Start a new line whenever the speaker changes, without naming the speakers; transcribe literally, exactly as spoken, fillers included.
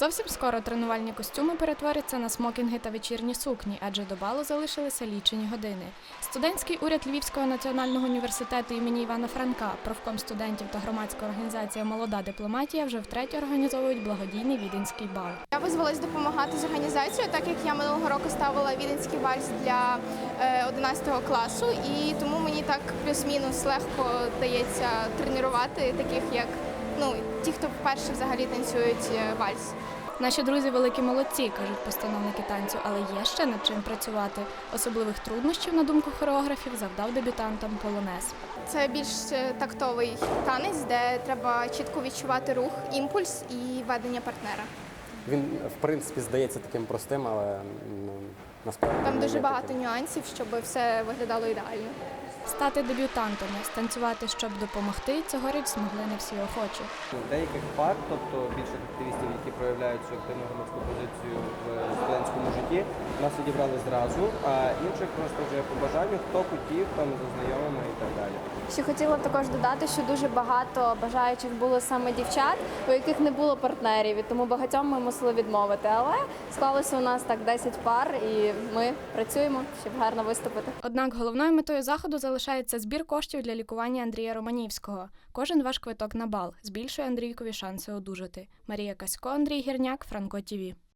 Зовсім скоро тренувальні костюми перетворяться на смокінги та вечірні сукні, адже до балу залишилися лічені години. Студентський уряд Львівського національного університету імені Івана Франка, профком студентів та громадська організація «Молода дипломатія» вже втретє організовують благодійний віденський бал.
Я визвалась допомагати з організацією, так як я минулого року ставила віденський вальс для одинадцятого класу, і тому мені так плюс-мінус легко дається тренувати таких, як ну, ті, хто вперше взагалі танцюють вальс.
Наші друзі великі молодці, кажуть постановники танцю, але є ще над чим працювати. Особливих труднощів, на думку хореографів, завдав дебютантам полонез.
Це більш тактовий танець, де треба чітко відчувати рух, імпульс і ведення партнера.
Він, в принципі, здається таким простим, але ну, насправді...
Там дуже багато нюансів, щоб все виглядало ідеально.
Стати дебютантами, станцювати, щоб допомогти, цьогоріч змогли не всі охочі.
Деяких пар, тобто більших активістів, які проявляють цю активну громадську позицію в студентському житті, нас відібрали зразу, а інших просто вже по бажанню, хто хотів, там за знайомими і так далі.
Ще хотіла б також додати, що дуже багато бажаючих було саме дівчат, у яких не було партнерів, і тому багатьом ми мусили відмовити. Але склалося у нас так десять пар, і ми працюємо, щоб гарно виступити.
Однак головною метою заходу залишається збір коштів для лікування Андрія Романівського. Кожен ваш квиток на бал збільшує Андрійкові шанси одужати. Марія Касько, Андрій Гірняк, Франко ТІВІ.